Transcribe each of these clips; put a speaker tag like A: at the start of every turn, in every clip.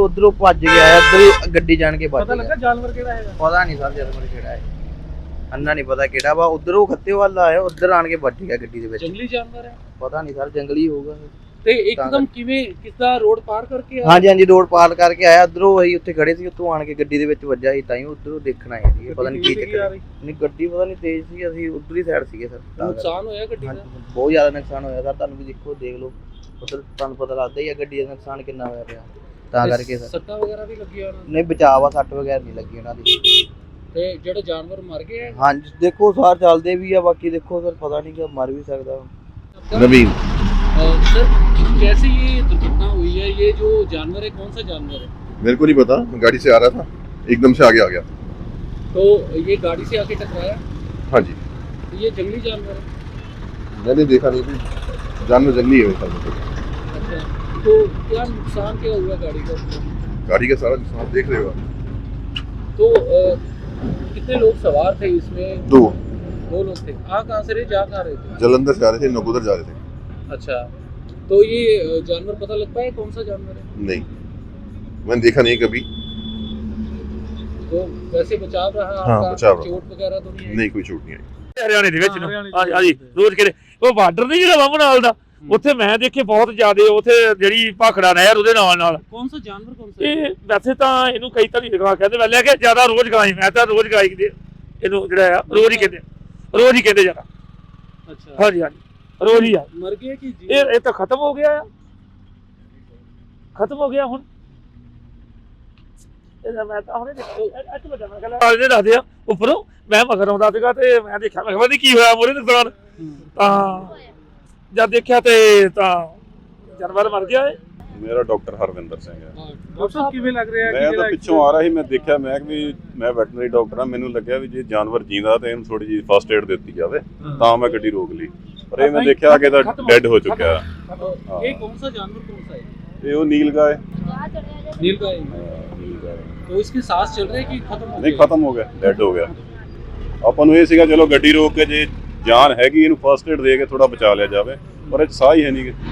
A: ਉਧਰੋਂ ਭੱਜ ਗਿਆ, ਇੱਧਰ ਹੀ ਗੱਡੀ ਜਾਣ ਕੇ ਭੱਜ
B: ਪਤਾ
A: ਗਿਆ।
B: ਲੱਗਾ ਜਾਨਵਰ ਕਿਹੜਾ ਹੈਗਾ?
A: ਪਤਾ ਨਹੀਂ ਸਰ ਜਾਨਵਰ ਕਿਹੜਾ ਹੈ, ਅੰਨਾ ਨਹੀਂ ਪਤਾ ਕਿਹੜਾ ਵਾ। ਉਧਰੋਂ ਖੱਤੇ ਵੱਲ ਆਇਆ, ਉਧਰ ਆਣ ਕੇ ਵੱਜ ਗਿਆ ਗੱਡੀ ਦੇ ਵਿੱਚ।
B: ਜੰਗਲੀ ਜਾਨਵਰ ਹੈ?
A: ਪਤਾ ਨਹੀਂ ਸਰ, ਜੰਗਲੀ ਹੋਊਗਾ।
B: ਤੇ ਇੱਕਦਮ ਕਿਵੇਂ ਕਿਸਦਾ ਰੋਡ ਪਾਰ ਕਰਕੇ ਆਇਆ?
A: ਹਾਂਜੀ ਹਾਂਜੀ, ਰੋਡ ਪਾਰ ਕਰਕੇ ਆਇਆ। ਉਧਰੋਂ ਅਸੀਂ ਉੱਥੇ ਖੜੇ ਸੀ, ਉੱਥੋਂ ਆਣ ਕੇ ਗੱਡੀ ਦੇ ਵਿੱਚ ਵੱਜਾ ਸੀ, ਤਾਂ ਹੀ ਉਧਰੋਂ ਦੇਖਣ ਆਏ ਸੀ। ਪਤਾ ਨਹੀਂ ਕੀ ਚੱਕਰ ਨਹੀਂ, ਗੱਡੀ ਪਤਾ ਨਹੀਂ ਤੇਜ਼ ਸੀ, ਅਸੀਂ ਉਧਰਲੀ ਸਾਈਡ ਸੀਗੇ ਸਰ।
B: ਨੁਕਸਾਨ ਹੋਇਆ ਗੱਡੀ ਦਾ?
A: ਬਹੁਤ ਜ਼ਿਆਦਾ ਨੁਕਸਾਨ ਹੋਇਆ ਸਰ, ਤੁਹਾਨੂੰ ਵੀ ਦੇਖੋ, ਦੇਖ ਲਓ ਉਧਰ, ਤੁਹਾਨੂੰ ਪਤਾ ਲੱਗਦਾ ਹੀ ਆ ਗੱਡੀ ਦਾ ਨੁਕਸਾਨ ਕਿੰਨਾ ਹੋਇਆ ਪਿਆ। ਤਾਂ ਕਰਕੇ ਸਰ
B: ਸੱਟਾਂ ਵਗੈਰਾ ਵੀ ਲੱਗੀਆਂ ਉਹਨਾਂ ਨੂੰ?
A: ਨਹੀਂ, ਬਚਾਅ ਆ, ਸੱਟ ਵਗੈਰਾ ਨਹੀਂ ਲੱਗੀ ਉਹਨਾਂ ਦੀ।
B: ਤੇ ਜਿਹੜੇ ਜਾਨਵਰ ਮਰ ਗਏ ਹੈ?
A: ਹਾਂਜੀ ਦੇਖੋ, ਸਾਰ ਚੱਲਦੇ ਵੀ ਆ, ਬਾਕੀ ਦੇਖੋ ਸਰ, ਪਤਾ ਨਹੀਂ ਕਿ ਮਰ ਵੀ ਸਕਦਾ।
C: नवीन।
B: सर कैसे ये दुर्घटना हुई है? ये जो जानवर है कौन सा जानवर है?
C: मेरे को नहीं पता, गाड़ी से आ रहा था, एकदम से आगे आ गया।
B: तो ये गाड़ी से आके टकराया?
C: हाँ जी,
B: तो ये जंगली जानवर है?
C: मैंने देखा नहीं कि जानवर जंगली है मेरे ख्याल में।
B: अच्छा, तो क्या नुकसान क्या हुआ गाड़ी का?
C: गाड़ी का सारा नुकसान देख रहे हो आप।
B: तो कितने लोग सवार थे इसमें?
C: दो
B: लोग थे। आ कहाँ से रहे, जा कहाँ रहे थे?
C: जलंधर से आ रहे थे, नकोदर जा रहे थे।
B: अच्छा, तो ये जानवर पता लग पाया कौन सा जानवर है?
C: नहीं, मैंने देखा नहीं कभी।
B: तो वैसे बचाव रहा
C: हाँ,
B: आपका?
C: बचाव रहा।
B: चोट वगैरह तो नहीं आई?
C: नहीं, कोई चोट नहीं आई।
D: ਹਰਿਆਣੇ ਦੇ ਵਿੱਚ ਨੂੰ
B: ਹਰਿਆਣੇ
D: ਹਾਂਜੀ ਹਾਂਜੀ ਰੋਜ਼ ਕਿਤੇ ਉਹ ਬਾਰਡਰ ਨਹੀਂ ਜਿਹੜਾ ਵਾਮਨ ਨਾਲ ਦਾ, ਉੱਥੇ ਮੈਂ ਦੇਖੇ ਬਹੁਤ ਜ਼ਿਆਦੇ, ਉੱਥੇ ਜਿਹੜੀ ਭਾਖੜਾ ਨਹਿਰ ਉਹਦੇ ਨਾਲ
B: कौन सा जानवर कौन सा?
D: ਇਹ ਵੈਸੇ ਤਾਂ ਇਹਨੂੰ ਕਈ ਤਰ੍ਹਾਂ ਦੀ ਲਗਾ ਕਹਿੰਦੇ, ਵੈਲੇ ਕਿ ਜ਼ਿਆਦਾ ਰੋਜ਼ ਗਾਈ, ਮੈਂ ਤਾਂ ਰੋਜ਼ ਗਾਈ ਦੇ ਇਹਨੂੰ ਜਿਹੜਾ ਆ ਰੋਜ਼ ਹੀ ਕਹਿੰਦੇ ਜ਼ਿਆਦਾ।
B: अच्छा,
D: ਹਾਂਜੀ ਹਾਂਜੀ ਰੋਜ਼ ਹੀ ਆ।
B: मर गए कि जी?
D: ਇਹ ਤਾਂ ਖਤਮ ਹੋ ਗਿਆ ਆ, ਖਤਮ ਹੋ ਗਿਆ ਹੁਣ। ਇਹਦਾ ਮੈਂ ਤਾਂ ਹੁਣੇ ਦੇਖਿਆ ਅੱਜ ਵੱਡਾ, ਮੈਂ ਕਹਿੰਦਾ ਇਹਦੇ ਦੱਸਦੇ ਆ ਉੱਪਰੋਂ, ਮੈਂ ਮਗਰ ਆਉਂਦਾ ਸੀਗਾ ਤੇ ਮੈਂ ਦੇਖਿਆ, ਮੈਂ ਕਿਹਾ ਕੀ ਹੋਇਆ ਮੋਰੇ ਨੁਕਸਾਨ। ਤਾਂ ਜਦ ਦੇਖਿਆ ਤੇ ਤਾਂ ਜਾਨਵਰ ਮਰ ਗਿਆ ਏ।
E: ਮੇਰਾ ਡਾਕਟਰ ਹਰਵਿੰਦਰ ਸਿੰਘ ਹੈ।
B: डॉक्टर साहब किवें लग रहा है?
E: ਮੈਂ ਤਾਂ ਪਿੱਛੋਂ ਆ ਰਿਹਾ ਸੀ, ਮੈਂ ਦੇਖਿਆ, ਮੈਂ ਵੀ ਮੈਂ ਵੈਟਰਨਰੀ ਡਾਕਟਰ ਹਾਂ, ਮੈਨੂੰ ਲੱਗਿਆ ਵੀ ਜੇ ਜਾਨਵਰ ਜਿੰਦਾ ਤੇ ਇਹਨੂੰ ਥੋੜੀ ਜਿਹੀ ਫਸਟ ਏਡ ਦਿੱਤੀ ਜਾਵੇ, ਤਾਂ ਮੈਂ ਗੱਡੀ ਰੋਕ ਲਈ। ਪਰ ਇਹ ਮੈਂ ਦੇਖਿਆ ਕਿ ਇਹਦਾ ਡੈੱਡ ਹੋ ਚੁੱਕਿਆ।
B: ये कौन सा जानवर कौन सा है?
E: ਇਹ ਉਹ ਨੀਲਗਾय
B: नीलगाय।
E: नीलगाय
B: तो इसके सांस चल रहे हैं कि खत्म हो
E: ਨਹੀਂ,
B: गए?
E: ਖਤਮ ਹੋ ਗਿਆ, ਡੈੱਡ ਹੋ ਗਿਆ। ਆਪਾਂ ਨੂੰ ਇਹ ਸੀਗਾ ਚਲੋ ਗੱਡੀ ਰੋਕ ਕੇ ਜੇ ਜਾਨ ਹੈਗੀ ਇਹਨੂੰ ਫਸਟ ਏਡ ਦੇ ਕੇ ਥੋੜਾ ਬਚਾ ਲਿਆ ਜਾਵੇ, ਪਰ ਇਹ 'ਚ ਸਾਹ ਹੀ ਹੈ ਨਹੀਂ।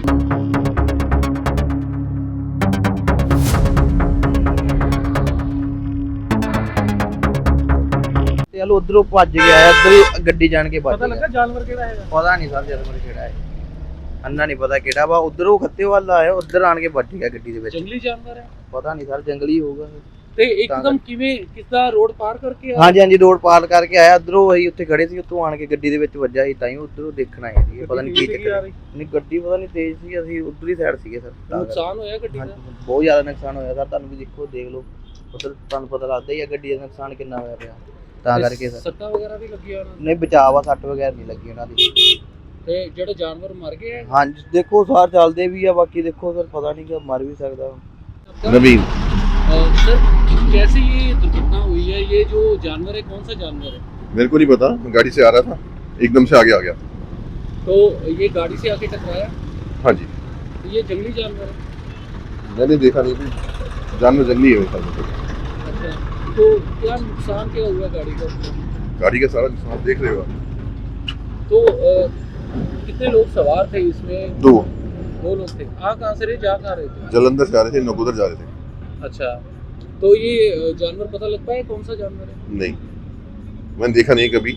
A: ਚਲੋ ਉਧਰੋਂ ਭੱਜ ਗਿਆ, ਇੱਧਰ ਹੀ ਗੱਡੀ ਜਾਣ ਕੇ ਭੱਜ
B: पता
A: ਗਿਆ।
B: लगा जानवर केड़ा है?
A: ਪਤਾ ਨਹੀਂ ਸਰ ਜਾਨਵਰ ਕਿਹੜਾ ਹੈ, ਅੰਨਾ ਨਹੀਂ ਪਤਾ ਕਿਹੜਾ ਵਾ। ਉਧਰੋਂ ਖੱਤੇ ਵੱਲ ਆਇਆ, ਉਧਰ ਆਣ ਕੇ ਵੱਜ ਗਿਆ ਗੱਡੀ ਦੇ ਵਿੱਚ।
B: जंगली जानवर है?
A: ਪਤਾ ਨਹੀਂ ਸਰ, ਜੰਗਲੀ ਹੋਊਗਾ।
B: ਤੇ ਇੱਕਦਮ ਕਿਵੇਂ ਕਿਸਦਾ ਰੋਡ ਪਾਰ ਕਰਕੇ ਆਇਆ?
A: ਹਾਂਜੀ ਹਾਂਜੀ, ਰੋਡ ਪਾਰ ਕਰਕੇ ਆਇਆ। ਉਧਰੋਂ ਅਸੀਂ ਉੱਥੇ ਖੜੇ ਸੀ, ਉੱਥੋਂ ਆਣ ਕੇ ਗੱਡੀ ਦੇ ਵਿੱਚ ਵੱਜਾ ਸੀ, ਤਾਂ ਹੀ ਉਧਰੋਂ ਦੇਖਣ ਆਏ ਸੀ। ਪਤਾ ਨਹੀਂ ਕੀ ਚੱਕਰ ਨਹੀਂ, ਗੱਡੀ ਪਤਾ ਨਹੀਂ ਤੇਜ਼ ਸੀ, ਅਸੀਂ ਉਧਰਲੀ ਸਾਈਡ ਸੀਗੇ ਸਰ।
B: ਨੁਕਸਾਨ ਹੋਇਆ ਗੱਡੀ ਦਾ?
A: ਬਹੁਤ ਜ਼ਿਆਦਾ ਨੁਕਸਾਨ ਹੋਇਆ ਸਰ, ਤੁਹਾਨੂੰ ਵੀ ਦੇਖੋ, ਦੇਖ ਲਓ ਉਧਰ, ਤੁਹਾਨੂੰ ਪਤਾ ਲੱਗਦਾ ਹੀ ਆ ਗੱਡੀ ਦਾ ਨੁਕਸਾਨ ਕਿੰਨਾ ਹੋਇਆ ਪਿਆ। ਤਾਂ ਕਰਕੇ ਸਰ
B: ਸੱਟਾਂ ਵਗੈਰਾ ਵੀ ਲੱਗੀਆਂ ਉਹਨਾਂ ਨੂੰ?
A: ਨਹੀਂ, ਬਚਾਅ ਆ, ਸੱਟ ਵਗੈਰਾ ਨਹੀਂ ਲੱਗੀ ਉਹਨਾਂ ਦੀ।
B: ਤੇ ਜਿਹੜੇ ਜਾਨਵਰ ਮਰ ਗਏ ਹੈ?
A: ਹਾਂਜੀ ਦੇਖੋ, ਸਾਰ ਚੱਲਦੇ ਵੀ ਆ, ਬਾਕੀ ਦੇਖੋ ਸਰ, ਪਤਾ ਨਹੀਂ ਕਿ ਮਰ ਵੀ ਸਕਦਾ।
C: नवीन।
B: सर कैसे ये दुर्घटना हुई है? ये जो जानवर है कौन सा जानवर है?
C: मेरे को नहीं पता, गाड़ी से आ रहा था, एकदम से आगे आ गया।
B: तो ये गाड़ी से आके टकराया?
C: हाँ जी,
B: तो ये जंगली जानवर है?
C: मैंने देखा नहीं कि जानवर जंगली है मेरे ख्याल में।
B: अच्छा, तो क्या नुकसान क्या हुआ गाड़ी का?
C: गाड़ी का सारा नुकसान देख रहे हो आप।
B: तो कितने लोग सवार थे इसमें?
C: दो
B: लोग थे। आ कहाँ से रहे, जा कहाँ रहे थे?
C: जलंधर से आ रहे थे, नकोदर जा रहे थे।
B: अच्छा, तो ये जानवर पता लग पाया कौन सा जानवर है?
C: नहीं, मैंने देखा नहीं कभी।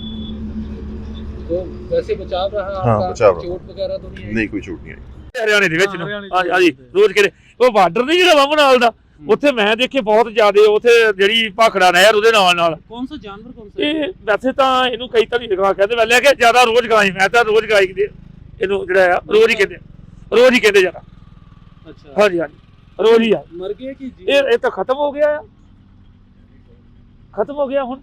B: तो वैसे बचाव रहा
C: हाँ,
B: आपका?
C: बचाव रहा।
B: चोट वगैरह तो नहीं आई?
C: नहीं, कोई चोट नहीं आई।
D: ਹਰਿਆਣੇ ਦੇ ਵਿੱਚ ਨੂੰ
B: ਹਰਿਆਣੇ
D: ਹਾਂਜੀ ਹਾਂਜੀ ਰੋਜ਼ ਕਿਤੇ ਉਹ ਬਾਰਡਰ ਨਹੀਂ ਜਿਹੜਾ ਵਾਮਨ ਨਾਲ ਦਾ, ਉੱਥੇ ਮੈਂ ਦੇਖੇ ਬਹੁਤ ਜ਼ਿਆਦੇ, ਉੱਥੇ ਜਿਹੜੀ ਭਾਖੜਾ ਨਹਿਰ ਉਹਦੇ ਨਾਲ
B: कौन सा जानवर कौन सा?
D: ਇਹ ਵੈਸੇ ਤਾਂ ਇਹਨੂੰ ਕਈ ਤਰ੍ਹਾਂ ਦੀ ਲਗਾ ਕਹਿੰਦੇ, ਵੈਲੇ ਕਿ ਜ਼ਿਆਦਾ ਰੋਜ਼ ਗਾਈ, ਮੈਂ ਤਾਂ ਰੋਜ਼ ਗਾਈ ਦੇ ਇਹਨੂੰ ਜਿਹੜਾ ਆ ਰੋਜ਼ ਹੀ ਕਹਿੰਦੇ ਜ਼ਿਆਦਾ।
B: अच्छा,
D: ਹਾਂਜੀ ਹਾਂਜੀ ਰੋਜ਼ ਹੀ ਆ।
B: मर गए कि जी?
D: ਇਹ ਤਾਂ ਖਤਮ ਹੋ ਗਿਆ ਆ, ਖਤਮ ਹੋ ਗਿਆ ਹੁਣ।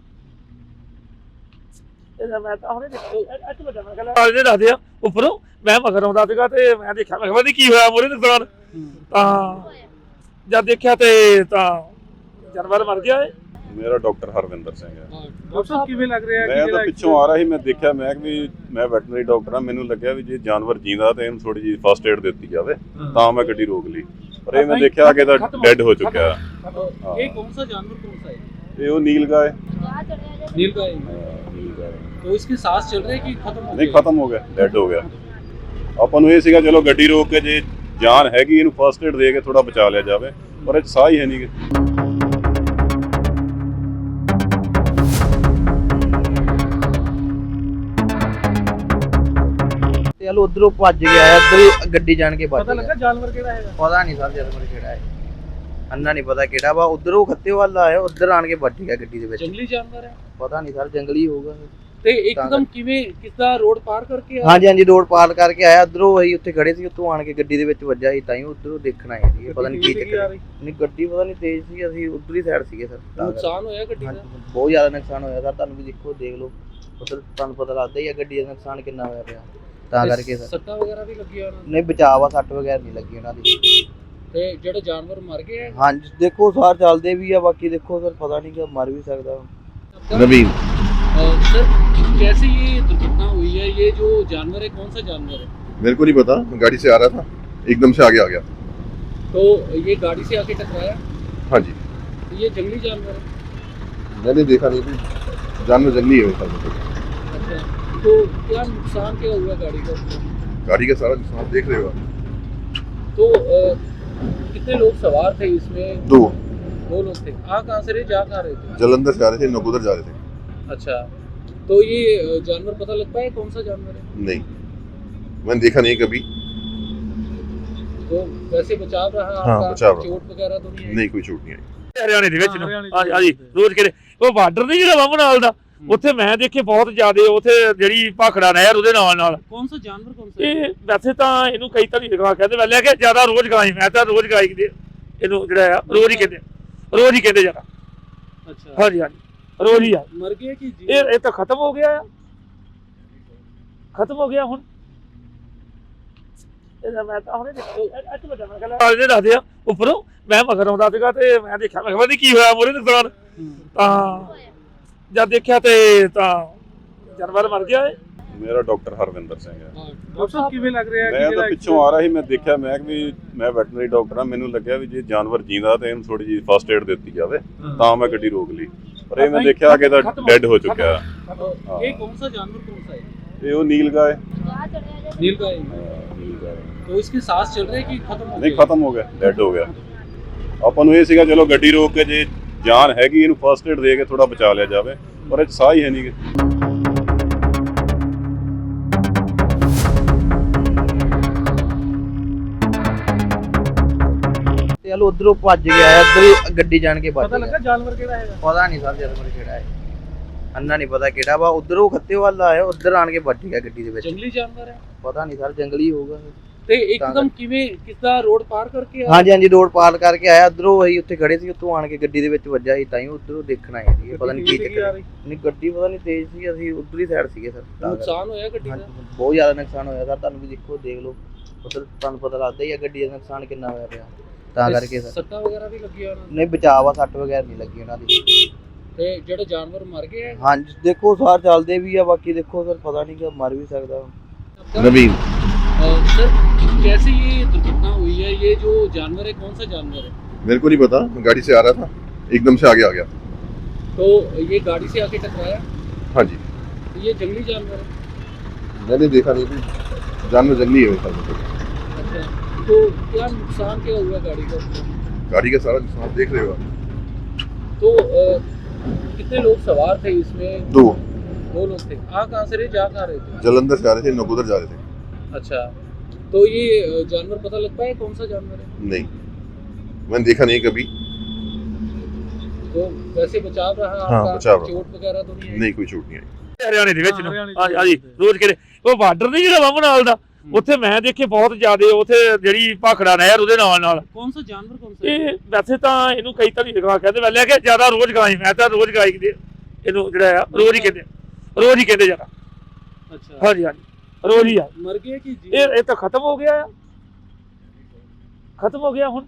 D: ਇਹਦਾ ਮੈਂ ਤਾਂ ਹੁਣੇ ਦੇਖਿਆ ਅੱਜ ਵੱਡਾ, ਮੈਂ ਕਹਿੰਦਾ ਇਹਦੇ ਦੱਸਦੇ ਆ ਉੱਪਰੋਂ, ਮੈਂ ਮਗਰ ਆਉਂਦਾ ਸੀਗਾ ਤੇ ਮੈਂ ਦੇਖਿਆ, ਮੈਂ ਕਿਹਾ ਕੀ ਹੋਇਆ ਮੋਰੇ ਨੁਕਸਾਨ। ਤਾਂ ਜਦ ਦੇਖਿਆ ਤੇ ਤਾਂ ਜਾਨਵਰ ਮਰ ਗਿਆ ਏ।
E: ਮੇਰਾ ਡਾਕਟਰ ਹਰਵਿੰਦਰ ਸਿੰਘ ਹੈ।
B: डॉक्टर साहब किवें लग रहा है?
E: ਮੈਂ ਤਾਂ ਪਿੱਛੋਂ ਆ ਰਿਹਾ ਸੀ, ਮੈਂ ਦੇਖਿਆ, ਮੈਂ ਵੀ ਮੈਂ ਵੈਟਰਨਰੀ ਡਾਕਟਰ ਹਾਂ, ਮੈਨੂੰ ਲੱਗਿਆ ਵੀ ਜੇ ਜਾਨਵਰ ਜਿੰਦਾ ਤੇ ਇਹਨੂੰ ਥੋੜੀ ਜਿਹੀ ਫਸਟ ਏਡ ਦਿੱਤੀ ਜਾਵੇ, ਤਾਂ ਮੈਂ ਗੱਡੀ ਰੋਕ ਲਈ। ਪਰ ਇਹ ਮੈਂ ਦੇਖਿਆ ਕਿ ਇਹਦਾ ਡੈੱਡ ਹੋ ਚੁੱਕਿਆ।
B: ये कौन सा जानवर कौन सा है?
E: ਇਹ ਉਹ ਨੀਲਗਾय
B: नीलगाय।
E: नीलगाय।
B: तो इसके सांस चल रहे हैं कि खत्म हो
E: ਨਹੀਂ,
B: गए?
E: ਖਤਮ ਹੋ ਗਿਆ, ਡੈੱਡ ਹੋ ਗਿਆ। ਆਪਾਂ ਨੂੰ ਇਹ ਸੀਗਾ ਚਲੋ ਗੱਡੀ ਰੋਕ ਕੇ ਜੇ ਜਾਨ ਹੈਗੀ ਇਹਨੂੰ ਫਸਟ ਏਡ ਦੇ ਕੇ ਥੋੜਾ ਬਚਾ ਲਿਆ ਜਾਵੇ, ਪਰ ਇਹ 'ਚ ਸਾਹ ਹੀ ਹੈ ਨਹੀਂ ਗੇ।
A: ਚਲ ਉਧਰੋਂ ਭੱਜ ਗਿਆ ਇੱਧਰ ਹੀ ਗੱਡੀ ਜਾਣ ਕੇ ਭੱਜ
B: ਪਤਾ
A: ਗਿਆ।
B: ਲੱਗਾ ਜਾਨਵਰ ਕਿਹੜਾ ਹੈਗਾ?
A: ਪਤਾ ਨਹੀਂ ਸਰ ਜਾਨਵਰ ਕਿਹੜਾ ਹੈ, ਅੰਨਾ ਨਹੀਂ ਪਤਾ ਕਿਹੜਾ ਵਾ। ਉਧਰੋਂ ਖੱਤੇ ਵੱਲ ਆਇਆ, ਉਧਰ ਆਣ ਕੇ ਵੱਜ ਗਿਆ ਗੱਡੀ ਦੇ ਵਿੱਚ।
B: ਜੰਗਲੀ ਜਾਨਵਰ ਹੈ
A: ਪਤਾ ਨਹੀਂ ਸਰ, ਜੰਗਲੀ ਹੋਊਗਾ।
B: ਤੇ ਇੱਕਦਮ ਕਿਵੇਂ ਕਿਸਦਾ ਰੋਡ ਪਾਰ ਕਰਕੇ ਆਇਆ?
A: ਹਾਂਜੀ ਹਾਂਜੀ, ਰੋਡ ਪਾਰ ਕਰਕੇ ਆਇਆ ਉਧਰੋਂ, ਅਸੀਂ ਉੱਥੇ ਖੜੇ ਸੀ, ਉੱਥੋਂ ਆਣ ਕੇ ਗੱਡੀ ਦੇ ਵਿੱਚ ਵੱਜਾ ਸੀ, ਤਾਂ ਹੀ ਉਧਰੋਂ ਦੇਖਣ ਆਏ ਸੀ। ਪਤਾ ਨਹੀਂ ਕੀ ਚੱਕਰ, ਨਹੀਂ ਗੱਡੀ ਪਤਾ ਨਹੀਂ ਤੇਜ਼ ਸੀ, ਅਸੀਂ ਉਧਰਲੀ ਸਾਈਡ ਸੀਗੇ ਸਰ।
B: ਨੁਕਸਾਨ ਹੋਇਆ ਗੱਡੀ ਦਾ?
A: ਬਹੁਤ ਜ਼ਿਆਦਾ ਨੁਕਸਾਨ ਹੋਇਆ ਸਰ, ਤੁਹਾਨੂੰ ਵੀ ਦੇਖੋ, ਦੇਖ ਲਓ ਉਧਰ, ਤੁਹਾਨੂੰ ਪਤਾ ਲੱਗਦਾ ਹੀ ਆ ਗੱਡੀ ਦਾ ਨੁਕਸਾਨ ਕਿੰਨਾ ਹੋਇਆ ਪਿਆ। ਤਾਂ ਕਰਕੇ ਸਰ
B: ਸੱਟਾਂ ਵਗੈਰਾ ਵੀ ਲੱਗੀਆਂ ਉਹਨਾਂ ਨੂੰ?
A: ਨਹੀਂ, ਬਚਾਅ ਆ, ਸੱਟ ਵਗੈਰਾ ਨਹੀਂ ਲੱਗੀ ਉਹਨਾਂ ਦੀ।
B: ਤੇ ਜਿਹੜੇ ਜਾਨਵਰ ਮਰ ਗਏ ਹੈ?
A: ਹਾਂਜੀ ਦੇਖੋ ਸਾਰ ਚੱਲਦੇ ਵੀ ਆ, ਬਾਕੀ ਦੇਖੋ ਸਰ ਪਤਾ ਨਹੀਂ ਕਿ ਮਰ ਵੀ ਸਕਦਾ।
C: नवीन
B: सर कैसे ये दुर्घटना हुई है? ये जो जानवर है कौन सा जानवर है?
C: मेरे को नहीं पता, मैं गाड़ी से आ रहा था, एकदम से आगे आ गया।
B: तो ये गाड़ी से आके टकराया?
C: हाँ जी,
B: तो ये जंगली जानवर है?
C: मैंने देखा नहीं कि जानवर जंगली है मेरे ख्याल से।
B: अच्छा, तो क्या नुकसान क्या हुआ गाड़ी का?
C: गाड़ी का सारा नुकसान देख रहे हो आप।
B: तो कितने लोग सवार थे इसमें?
C: दो
B: लोग थे। आ कहाँ से रहे, जा कहाँ रहे थे?
C: जलंधर से आ रहे थे, नकोदर जा रहे थे।
B: अच्छा, तो ये जानवर पता लग पाया कौन सा जानवर है?
C: नहीं, मैंने देखा नहीं कभी।
B: तो वैसे बचाव रहा
C: हाँ,
B: आपका?
C: बचाव रहा।
B: चोट वगैरह तो नहीं आई?
C: नहीं, कोई छूट नहीं आई।
D: ਹਰਿਆਣੇ ਦੇ ਵਿੱਚ ਨੂੰ
B: ਹਰਿਆਣੇ ਚ।
D: ਹਾਂਜੀ ਰੋਜ਼ ਕਿਹੜੇ ਉਹ ਬਾਰਡਰ ਨਹੀਂ ਜਿਹੜਾ ਵਾਂਭ ਨਾਲ ਦਾ, ਉੱਥੇ ਮੈਂ ਦੇਖੇ ਬਹੁਤ ਜ਼ਿਆਦੇ, ਉੱਥੇ ਜਿਹੜੀ ਭਾਖੜਾ ਨਹਿਰ ਉਹਦੇ ਨਾਲ
B: कौन सा जानवर कौन सा?
D: ਇਹ ਵੈਸੇ ਤਾਂ ਇਹਨੂੰ ਕਈ ਤਾਂ ਨਹੀਂ ਲਗਾ ਕਹਿੰਦੇ, ਮੈਂ ਲੈ ਕੇ ਜ਼ਿਆਦਾ ਰੋਜ਼ ਗਾਈ, ਮੈਂ ਤਾਂ ਰੋਜ਼ ਗਾਈ ਦੇ ਇਹਨੂੰ ਜਿਹੜਾ ਆ ਰੋਜ਼ ਹੀ ਕਹਿੰਦੇ ਜ਼ਿਆਦਾ।
B: अच्छा,
D: ਹਾਂਜੀ ਹਾਂਜੀ ਰੋਜ਼ ਹੀ ਆ।
B: मर गया कि जी?
D: ਇਹ ਤਾਂ ਖਤਮ ਹੋ ਗਿਆ ਆ, ਖਤਮ ਹੋ ਗਿਆ ਹੁਣ। ਇਹਦਾ ਮੈਂ ਤਾਂ ਹੁਣੇ ਇਹਦੇ ਦੱਸਦੇ ਆ ਉੱਪਰੋਂ, ਮੈਂ ਮਗਰ ਆਉਂਦਾ ਸੀਗਾ ਤੇ ਮੈਂ ਦੇਖਿਆ, ਮੈਂ ਕਿਹਾ ਪਤਾ ਨੀ ਕੀ ਹੋਇਆ ਮੋਰੇ ਨੁਕਸਾਨ। ਤਾਂ ਜਦ ਦੇਖਿਆ ਤੇ ਤਾਂ ਜਾਨਵਰ ਮਰ ਗਿਆ ਏ।
E: ਮੇਰਾ ਡਾਕਟਰ ਹਰਵਿੰਦਰ ਸਿੰਘ ਹੈ।
B: डॉक्टर साहब किਵੇਂ ਲੱਗ ਰਿਹਾ
E: ਮੈਂ ਤਾਂ ਪਿੱਛੋਂ ਆ ਰਿਹਾ ਸੀ, ਮੈਂ ਦੇਖਿਆ, ਮੈਂ ਕਿ ਵੀ ਮੈਂ ਵੈਟਰਨਰੀ ਡਾਕਟਰ ਹਾਂ, ਮੈਨੂੰ ਲੱਗਿਆ ਵੀ ਜੇ ਜਾਨਵਰ ਜਿੰਦਾ ਤੇ ਇਹਨੂੰ ਥੋੜੀ ਜਿਹੀ ਫਸਟ ਏਡ ਦਿੱਤੀ ਜਾਵੇ, ਤਾਂ ਮੈਂ ਗੱਡੀ ਰੋਕ ਲਈ। ਪਰ ਇਹ ਮੈਂ ਦੇਖਿਆ ਕਿ ਇਹਦਾ ਡੈੱਡ ਹੋ ਚੁੱਕਿਆ।
B: ये कौन सा जानवर कौन सा है?
E: ਇਹ ਉਹ ਨੀਲਗਾ ਹੈ।
B: नीलगाय।
E: नीलगा है।
B: तो इसके सांस चल रहे हैं कि खत्म हो
E: ਨਹੀਂ,
B: गए?
E: ਖਤਮ ਹੋ ਗਿਆ, ਡੈੱਡ ਹੋ ਗਿਆ। ਆਪਾਂ ਨੂੰ ਇਹ ਸੀਗਾ ਚਲੋ ਗੱਡੀ ਰੋਕ ਕੇ ਜੇ ਜਾਨ ਹੈਗੀ ਇਹਨੂੰ ਫਸਟ ਏਡ ਦੇ ਕੇ ਥੋੜਾ ਬਚਾ ਲਿਆ ਜਾਵੇ, ਪਰ ਇਹ 'ਚ ਸਾਹ ਹੀ ਹੈ ਨਹੀਂ ਗੇ।
A: ਚਲ ਉਧਰੋਂ ਭੱਜ ਗਿਆ ਇੱਧਰ ਹੀ ਗੱਡੀ ਜਾਣ ਕੇ ਭੱਜ
B: पता
A: ਗਿਆ।
B: लगा जानवर केड़ा हैगा?
A: ਪਤਾ ਨਹੀਂ ਸਰ ਜਾਨਵਰ ਕਿਹੜਾ ਹੈ, ਅੰਨਾ ਨਹੀਂ ਪਤਾ ਕਿਹੜਾ ਵਾ। ਉਧਰੋਂ ਖੱਤੇ ਵੱਲ ਆਇਆ, ਉਧਰ ਆਣ ਕੇ ਵੱਜ ਗਿਆ ਗੱਡੀ ਦੇ ਵਿੱਚ।
B: जंगली जानवर है?
A: ਪਤਾ ਨਹੀਂ ਸਰ, ਜੰਗਲੀ ਹੋਊਗਾ।
B: ਤੇ ਇੱਕਦਮ ਕਿਵੇਂ ਕਿਸਦਾ ਰੋਡ ਪਾਰ ਕਰਕੇ ਆਇਆ?
A: ਹਾਂਜੀ ਹਾਂਜੀ, ਰੋਡ ਪਾਰ ਕਰਕੇ ਆਇਆ ਉਧਰੋਂ, ਅਸੀਂ ਉੱਥੇ ਖੜੇ ਸੀ, ਉੱਥੋਂ ਆਣ ਕੇ ਗੱਡੀ ਦੇ ਵਿੱਚ ਵੱਜਾ ਸੀ, ਤਾਂ ਹੀ ਉਧਰੋਂ ਦੇਖਣ ਆਏ ਸੀ। ਪਤਾ ਨਹੀਂ ਕੀ ਚੱਕਰ, ਨਹੀਂ ਗੱਡੀ ਪਤਾ ਨਹੀਂ ਤੇਜ਼ ਸੀ, ਅਸੀਂ ਉਧਰਲੀ ਸਾਈਡ ਸੀਗੇ ਸਰ।
B: ਨੁਕਸਾਨ ਹੋਇਆ ਗੱਡੀ ਦਾ?
A: ਬਹੁਤ ਜ਼ਿਆਦਾ ਨੁਕਸਾਨ ਹੋਇਆ ਸਰ, ਤੁਹਾਨੂੰ ਵੀ ਦੇਖੋ, ਦੇਖ ਲਓ ਉਧਰ, ਤੁਹਾਨੂੰ ਪਤਾ ਲੱਗਦਾ ਹੀ ਆ ਗੱਡੀ ਦਾ ਨੁਕਸਾਨ ਕਿੰਨਾ ਹੋਇਆ ਪਿਆ। ਤਾਂ ਕਰਕੇ ਸਰ
B: ਸੱਟਾਂ ਵਗੈਰਾ ਵੀ ਲੱਗੀਆਂ ਉਹਨਾਂ ਨੂੰ?
A: ਨਹੀਂ, ਬਚਾਅ ਆ, ਸੱਟ ਵਗੈਰਾ ਨਹੀਂ ਲੱਗੀ ਉਹਨਾਂ ਦੀ।
B: ਤੇ ਜਿਹੜੇ ਜਾਨਵਰ ਮਰ ਗਏ ਹੈ?
A: ਹਾਂਜੀ ਦੇਖੋ ਸਾਰ ਚੱਲਦੇ ਵੀ ਆ, ਬਾਕੀ ਦੇਖੋ ਸਰ ਪਤਾ ਨਹੀਂ ਕਿ ਮਰ ਵੀ ਸਕਦਾ।
C: नवीन
B: सर कैसे ये दुर्घटना हुई है? ये जो जानवर है कौन सा जानवर है?
C: मेरे को नहीं पता, मैं गाड़ी से आ रहा था, एकदम से आगे आ गया।
B: तो ये गाड़ी से आके टकराया?
C: हाँ जी,
B: तो ये जंगली जानवर है?
C: मैंने देखा नहीं कि जानवर जंगली है मेरे ख्याल से।
B: अच्छा, तो क्या नुकसान क्या हुआ गाड़ी का?
C: गाड़ी का सारा नुकसान देख रहे हो आप।
B: तो कितने लोग सवार थे इसमें?
C: दो
B: लोग थे। आ कहाँ से रहे, जा कहाँ रहे थे?
C: जलंधर से आ रहे थे, नकोदर जा रहे थे।
B: अच्छा, तो ये जानवर पता लग पाया कौन सा जानवर है?
C: नहीं, मैंने देखा नहीं कभी।
B: तो वैसे बचाव रहा
C: हाँ,
B: आपका?
C: बचाव रहा।
B: चोट वगैरह तो नहीं आई?
C: नहीं, कोई छूट नहीं आई।
D: ਹਰਿਆਣੇ ਦੇ ਵਿੱਚ ਨੂੰ
B: ਹਰਿਆਣੇ ਚ।
D: ਹਾਂਜੀ ਰੋਜ਼ ਕਿਹੜੇ ਉਹ ਬਾਰਡਰ ਨਹੀਂ ਜਿਹੜਾ ਵਾਂਭ ਨਾਲ ਦਾ, ਉੱਥੇ ਮੈਂ ਦੇਖੇ ਬਹੁਤ ਜ਼ਿਆਦੇ, ਉੱਥੇ ਜਿਹੜੀ ਭਾਖੜਾ ਨਹਿਰ ਉਹਦੇ ਨਾਲ
B: कौन सा जानवर कौन सा है?
D: ਇਹ ਵੈਸੇ ਤਾਂ ਇਹਨੂੰ ਕਈ ਤਾਂ ਨਹੀਂ ਲਗਾ ਕਹਿੰਦੇ, ਮੈਂ ਲੈ ਕੇ ਜ਼ਿਆਦਾ ਰੋਜ਼ ਗਾਈ, ਮੈਂ ਤਾਂ ਰੋਜ਼ ਗਾਈ ਦੇ ਇਹਨੂੰ ਜਿਹੜਾ ਆ ਰੋਜ਼ ਹੀ ਕਹਿੰਦੇ ਜ਼ਿਆਦਾ।
B: अच्छा,
D: ਹਾਂਜੀ ਹਾਂਜੀ ਰੋਜ਼ ਹੀ ਆ।
B: मर गया कि जी?
D: ਇਹ ਤਾਂ ਖਤਮ ਹੋ ਗਿਆ ਆ, ਖਤਮ ਹੋ ਗਿਆ ਹੁਣ।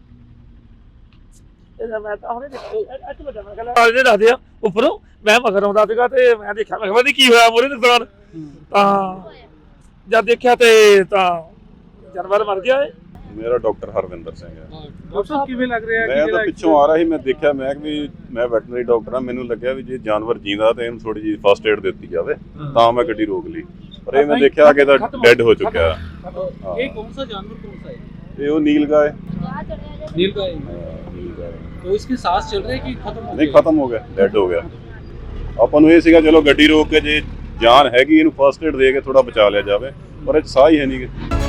D: ਇਹਦਾ ਮੈਂ ਤਾਂ ਹੁਣੇ ਇਹਦੇ ਦੱਸਦੇ ਆ ਉੱਪਰੋਂ, ਮੈਂ ਮਗਰ ਆਉਂਦਾ ਸੀਗਾ ਤੇ ਮੈਂ ਦੇਖਿਆ, ਮੈਂ ਕਿਹਾ ਪਤਾ ਨੀ ਕੀ ਹੋਇਆ ਮੋਰੇ ਨੁਕਸਾਨ। ਤਾਂ ਜਦ ਦੇਖਿਆ ਤੇ ਤਾਂ ਜਾਨਵਰ ਮਰ ਗਿਆ ਏ।
E: ਮੇਰਾ ਡਾਕਟਰ ਹਰਵਿੰਦਰ ਸਿੰਘ ਹੈ।
B: डॉक्टर साहब किਵੇਂ ਲੱਗ ਰਿਹਾ?
E: ਮੈਂ ਤਾਂ ਪਿੱਛੋਂ ਆ ਰਿਹਾ ਸੀ, ਮੈਂ ਦੇਖਿਆ, ਮੈਂ ਕਿ ਵੀ ਮੈਂ ਵੈਟਰਨਰੀ ਡਾਕਟਰ ਹਾਂ, ਮੈਨੂੰ ਲੱਗਿਆ ਵੀ ਜੇ ਜਾਨਵਰ ਜਿੰਦਾ ਤੇ ਇਹਨੂੰ ਥੋੜੀ ਜਿਹੀ ਫਸਟ ਏਡ ਦਿੱਤੀ ਜਾਵੇ, ਤਾਂ ਮੈਂ ਗੱਡੀ ਰੋਕ ਲਈ। ਪਰ ਇਹ ਮੈਂ ਦੇਖਿਆ ਕਿ ਇਹਦਾ ਡੈੱਡ ਹੋ ਚੁੱਕਿਆ।
B: ये कौन सा जानवर कौन सा है?
E: ਇਹ ਉਹ ਨੀਲਗਾ ਹੈ।
B: नीलगाय। तो इसके सांस चल रहे कि खत्म हो
E: ਨਹੀਂ
B: गए?
E: ਖਤਮ ਹੋ ਗਿਆ, ਡੈਡ ਹੋ ਗਿਆ। ਆਪਾਂ ਨੂੰ ਇਹ ਸੀਗਾ ਚਲੋ ਗੱਡੀ ਰੋਕ ਕੇ ਜੇ ਜਾਨ ਹੈਗੀ ਇਹਨੂੰ ਫਸਟ ਏਡ ਦੇ ਕੇ ਥੋੜਾ ਬਚਾ ਲਿਆ ਜਾਵੇ, ਪਰ ਇਹ 'ਚ ਸਾਹ ਹੀ ਹੈ ਨਹੀਂ ਗੇ।